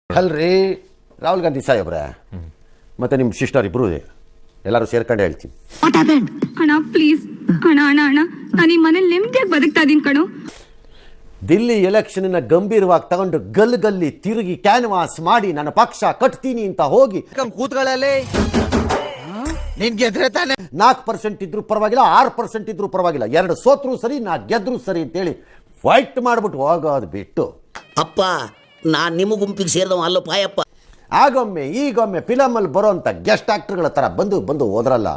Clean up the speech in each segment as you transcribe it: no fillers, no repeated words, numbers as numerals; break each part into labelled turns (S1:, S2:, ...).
S1: ಅಲ್ರಿ ರಾಹುಲ್ ಗಾಂಧಿ ಸಾಹೇಬ್ರೆ ಮತ್ತೆ ನಿಮ್ಮ ಸಿಸ್ಟರ್ ಇಬ್ರು ಎಲ್ಲರೂ ಸೇರ್ಕೊಂಡು ಹೇಳ್ತೀನಿ.
S2: ಅಣ್ಣ ಪ್ಲೀಸ್ ಅಣ್ಣ ಅಣ್ಣ ಅಣ್ಣ ನಾನು ಈ ಮನೇಲಿ ನೆಮ್ಮದಿಯಾಗಿ ಬದುಕ್ತಾ ಇದೀನಿ ಕಣೋ.
S1: ದಿಲ್ಲಿ ಎಲೆಕ್ಷನ್ ಗಂಭೀರವಾಗಿ ತಗೊಂಡು ಗಲ್ಲಿ ತಿರುಗಿ ಕ್ಯಾನ್ವಾಸ್ ಮಾಡಿ ನನ್ನ ಪಕ್ಷ ಕಟ್ತೀನಿ ಅಂತ ಹೋಗಿ
S3: ಕೂತ್ಕೊಳ್ಳಲಿ ನಿನ್ ಗೆದ್ರೆ ತಾನೆ
S1: 4% ಇದ್ರು ಪರವಾಗಿಲ್ಲ, 6% ಇದ್ರು ಪರವಾಗಿಲ್ಲ, 2 ಸೋತ್ರು ಸರಿ, 4 ಗೆದ್ರು ಸರಿ ಅಂತೇಳಿ ಫೈಟ್ ಮಾಡ್ಬಿಟ್ಟು ಹೋಗೋದು ಬಿಟ್ಟು
S4: ಅಪ್ಪ ನಾನು ನಿಮ್ಮ ಗುಂಪಿಗೆ ಸೇರಿದವ ಅಲ್ಲ ಪಾಯಪ್ಪ.
S1: ಆಗೊಮ್ಮೆ ಈಗೊಮ್ಮೆ ಫಿಲಮಲ್ಲಿ ಬರೋಂಥ ಗೆಸ್ಟ್ ಆಕ್ಟರ್ಗಳ ಥರ ಬಂದು ಹೋದ್ರಲ್ಲ.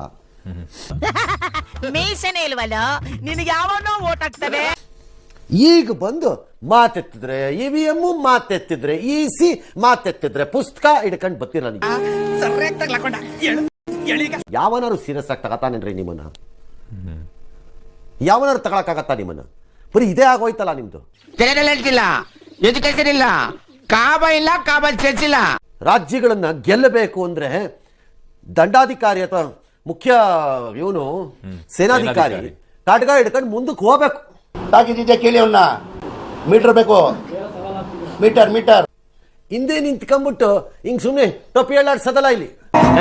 S5: ಮೀಸನೆ ಇಲ್ವಲ್ಲ ನಿನಗೆ ಯಾವನೋ ಓಟ್ ಹಾಕ್ತವೆ.
S1: ಈಗ ಬಂದು ಮಾತೆತ್ತಿದ್ರೆ EVM ಮಾತೆತ್ತಿದ್ರೆ EC ಮಾತೆತ್ತಿದ್ರೆ ಪುಸ್ತಕ ಹಿಡ್ಕೊಂಡು ಬರ್ತೀರ ನನಗೆ. ಯಾವನಾರು ಸೀರಿಯಸ್ ಆಗಿ ತಗತಾನೇನ್ರಿ ನಿಮ್ಮನ್ನ? ಯಾವನಾರು ತಗೊಳಕ್ಕಾಗತ್ತಾ ನಿಮ್ಮನ್ನ? ಬರೀ ಇದೇ ಆಗೋಯ್ತಲ್ಲ ನಿಮ್ದು.
S5: ಇಲ್ಲ ಎಜುಕೇಶನ್ ಇಲ್ಲ, ಕಾಬ ಇಲ್ಲ, ಕಾಬ ಚರ್ಚ್ ಇಲ್ಲ.
S1: ರಾಜ್ಯಗಳನ್ನ ಗೆಲ್ಲಬೇಕು ಅಂದ್ರೆ ದಂಡಾಧಿಕಾರಿ ಅಥವಾ ಮುಖ್ಯ ಇವನು ಸೇನಾಧಿಕಾರಿ ಕಾಟ್ಗ ಹಿಡ್ಕೊಂಡು ಮುಂದಕ್ಕೆ ಹೋಗ್ಬೇಕು.
S6: ತಾಕಿದ್ದೆ ಕೇಳಿ ಅವನ್ನ ಮೀಟರ್ ಬೇಕು, ಮೀಟರ್ ಮೀಟರ್
S1: ಹಿಂದೆ ನಿಂತ್ಕೊಂಡ್ಬಿಟ್ಟು ಹಿಂಗ್ ಸುಮ್ಮನೆ ಟೊಪ್ಪಿ ಹೇಳಾಡ್ಸದಲ್ಲ ಇಲ್ಲಿ.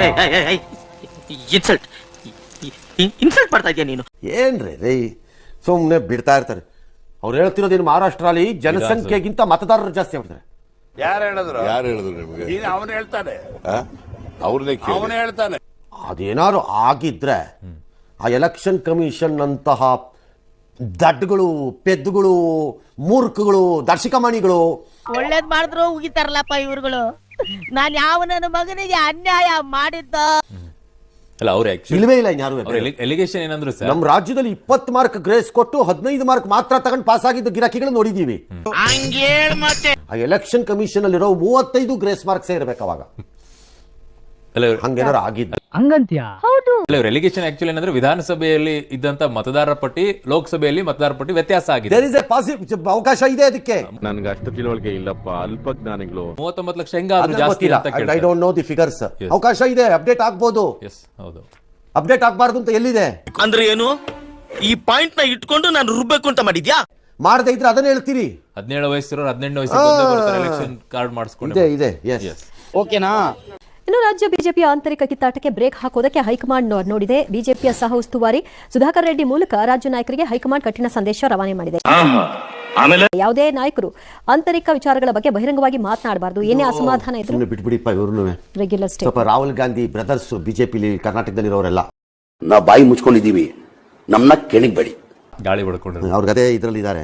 S5: ಇನ್ಸಲ್ಟ್ ಮಾಡ್ತಾ ಇದೀಯ ನೀನು.
S1: ಏನ್ರಿ ರೇ ಸುಮ್ಮನೆ ಬಿಡ್ತಾ ಇರ್ತಾರೆ. ಅವ್ರು ಹೇಳ್ತಿರೋದೇನು ಮಹಾರಾಷ್ಟ್ರಲ್ಲಿ ಜನಸಂಖ್ಯೆಗಿಂತ ಮತದಾರರು ಜಾಸ್ತಿ ಆಗ್ಬಿಡ್ತಾರೆ.
S7: ಯಾರು ಹೇಳಿದ್ರು
S6: ನಿಮಗೆ?
S7: ಅವನು ಹೇಳ್ತಾನೆ,
S6: ಅವ್ರನ್ನೇ
S7: ಹೇಳ್ತಾನೆ.
S1: ಅದೇನಾದ್ರು ಆಗಿದ್ರೆ ಆ ಎಲೆಕ್ಷನ್ ಕಮಿಷನ್ ಅಂತಹ ದಡ್ಗಳು, ಪೆದ್ದುಗಳು, ಮೂರ್ಖಗಳು, ದರ್ಶಕಮಣಿಗಳು
S5: ಒಳ್ಳೇದ್ ಮಾಡಿದ್ರು ಉಗಿತಾರಲ್ಲಪ್ಪ ಇವ್ರುಗಳು. ನಾನ್ ಯಾವ ನನ್ನ ಮಗನಿಗೆ ಅನ್ಯಾಯ ಮಾಡಿದ್ದ
S8: ಅಲ್ಲ ಅವ್ರು
S1: ಇಲ್ವೇ ಇಲ್ಲ ಇನ್ಯಾರು.
S8: ಎಲಿಗೇಷನ್ ಏನಂದ್ರು ಸರ್,
S1: ನಮ್ಮ ರಾಜ್ಯದಲ್ಲಿ 20 ಮಾರ್ಕ್ ಗ್ರೇಸ್ ಕೊಟ್ಟು 15 ಮಾರ್ಕ್ ಮಾತ್ರ ತಗೊಂಡು ಪಾಸ್ ಆಗಿದ್ದ ಗಿರಾಕಿಗಳು ನೋಡಿದೀವಿ. ಆ ಎಲೆಕ್ಷನ್ ಕಮಿಷನ್ ಅಲ್ಲಿರೋ 35 ಗ್ರೇಸ್ ಮಾರ್ಕ್ಸ್ ಇರ್ಬೇಕು ಅವಾಗ. ಹಂಗೇನಾರು ಆಗಿದ್ದು
S8: ಎಲಿಗೇಷನ್ ಆಕ್ಚುಲಿ ಏನಂದ್ರೆ ವಿಧಾನಸಭೆಯಲ್ಲಿ ಇದ್ದಂತ ಮತದಾರರ ಪಟ್ಟಿ ಲೋಕಸಭೆಯಲ್ಲಿ ಮತದಾರರ ಪಟ್ಟಿ ವ್ಯತ್ಯಾಸ ಆಗಿದೆ.
S1: ದೇರ್ ಇಸ್ ಎ ಪಾಸಿಟಿವ್ ಅವಕಾಶ ಇದೆ ಅದಕ್ಕೆ.
S7: ನನ್ಗೆ ಅಷ್ಟು ತಿಳುವಳಿಕೆ ಇಲ್ಲಪ್ಪ, ಅಲ್ಪಜ್ಞಾನಿಗಳು.
S8: 39 ಲಕ್ಷ ಹೆಂಗಾದ್ರೂ ಜಾಸ್ತಿ ಅಂತ
S1: I don't know the figures. ಅವಕಾಶ ಇದೆ, ಅಪ್ಡೇಟ್ ಆಗ್ಬೋದು.
S8: ಹೌದು,
S1: ಅಪ್ಡೇಟ್ ಆಗ್ಬಾರ್ದು ಅಂತ ಎಲ್ಲಿದೆ?
S3: ಅಂದ್ರೆ ಏನು ಈ ಪಾಯಿಂಟ್ ನ ಇಟ್ಕೊಂಡು ನಾನು ರುಬ್ಬೇಕು ಅಂತ ಮಾಡಿದ್ಯಾ?
S1: ಮಾಡದೇ ಇದ್ರೆ ಅದನ್ನ ಹೇಳ್ತೀರಿ.
S8: 17 ವಯಸ್ಸಿರೋರು 18 ವಯಸ್ಸಿಗೆ ಎಲೆಕ್ಷನ್ ಕಾರ್ಡ್ ಮಾಡಿಸ್ಕೊಂಡು
S1: ಇದೆ. ಎಸ್
S3: ಓಕೆನಾ?
S9: ಇನ್ನು ರಾಜ್ಯ ಬಿಜೆಪಿಯ ಆಂತರಿಕ ಕಿತ್ತಾಟಕ್ಕೆ ಬ್ರೇಕ್ ಹಾಕೋದಕ್ಕೆ ಹೈಕಮಾಂಡ್ ನೋಡಿದೆ. ಬಿಜೆಪಿಯ ಸಹ ಉಸ್ತುವಾರಿ ಸುಧಾಕರ್ ರೆಡ್ಡಿ ಮೂಲಕ ರಾಜ್ಯ ನಾಯಕರಿಗೆ ಹೈಕಮಾಂಡ್ ಕಠಿಣ ಸಂದೇಶ ರವಾನೆ ಮಾಡಿದೆ. ಯಾವುದೇ ನಾಯಕರು ಆಂತರಿಕ ವಿಚಾರಗಳ ಬಗ್ಗೆ ಬಹಿರಂಗವಾಗಿ ಮಾತನಾಡಬಾರದು. ಏನೇ ಅಸಮಾಧಾನ ಇದ್ರು
S1: ಬಿಟ್ಬಿಡಿಪ್ಪ. ಇವ್ರು
S9: ರೆಗ್ಯುಲರ್ ಸ್ಟೇ.
S1: ಸ್ವಲ್ಪ ರಾಹುಲ್ ಗಾಂಧಿ ಬ್ರದರ್ಸ್ ಬಿಜೆಪಿ ಕರ್ನಾಟಕದಲ್ಲಿರೋರೆಲ್ಲ
S6: ನಾ ಬಾಯಿ ಮುಚ್ಕೊಂಡಿದ್ದೀವಿ, ನಮ್ಮನ್ನ ಕೆಣಗಬೇಡಿ.
S8: ಗಾಳಿ ಹೊಡ್ಕೊಂಡ್ರು
S1: ಅವ್ರಿಗೆ ಅದೇ ಇದರಲ್ಲಿ ಇದ್ದಾರೆ.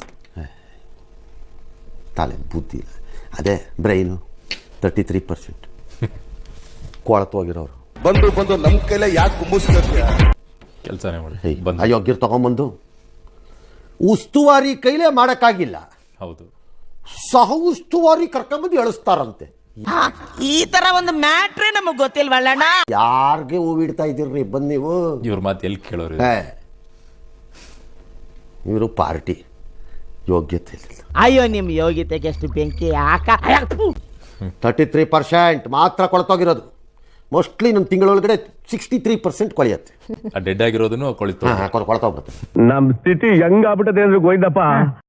S1: ತಲೆ ಬುದ್ಧಿ ಅದೇ ಬ್ರೈನು 33% ಕೊಳತೋಗಿರೋರು
S7: ಬಂದು ನಮ್ ಕೈಲೇ ಯಾಕೆ ಕುಂಬಿಸ್ತಾರೆ?
S8: ಕೆಲಸನೇ ಮಾಡಿ
S1: ಅಯೋಗ್ಯರು ತಗೊಂಬಂದು ಉಸ್ತುವಾರಿ ಕೈಲೇ ಮಾಡಕ್ಕಾಗಿಲ್ಲ,
S8: ಹೌದು
S1: ಸಹ ಉಸ್ತುವಾರಿ ಕರ್ಕೊಂಬಂದು ಎಳಿಸ್ತಾರಂತೆ.
S5: ಈ ತರ ಒಂದು ಮ್ಯಾಟ್ರೇ ನಮಗ್ ಗೊತ್ತಿಲ್ವಲ್ಲಣ್ಣ.
S1: ಯಾರಿಗೆ ಹೂವಿಡ್ತಾ ಇದ್ದೀರ್ರಿ ಬಂದ್ ನೀವು?
S8: ಇವ್ರ ಮಾತು ಎಲ್ಲಿ ಕೇಳೋರು?
S1: ಇವರು ಪಾರ್ಟಿ ಯೋಗ್ಯತೆ ಇಲ್ಲ.
S5: ಅಯ್ಯೋ ನಿಮ್ ಯೋಗ್ಯತೆಗೆ ಎಷ್ಟು ಬೆಂಕಿ ಹಾಕ.
S1: 33% ಮಾತ್ರ ಕೊಳತೋಗಿರೋದು. ಮೋಸ್ಟ್ಲಿ ನಮ್ಮ ತಿಂಗಳೊಳಗಡೆ 63% ಕೊಳೆಯುತ್ತೆ.
S8: ಡೆಡ್ ಆಗಿರೋದನ್ನು ಕೊಳಿತು
S1: ಕೊಳತೋಗ್ಬಿಡುತ್ತೆ.
S7: ನಮ್ ಸ್ಥಿತಿ ಹೆಂಗಾಗ್ಬಿಟ್ಟದೆ ಅಂದ್ರೆ ಗೋಯ್ದಪ್ಪ.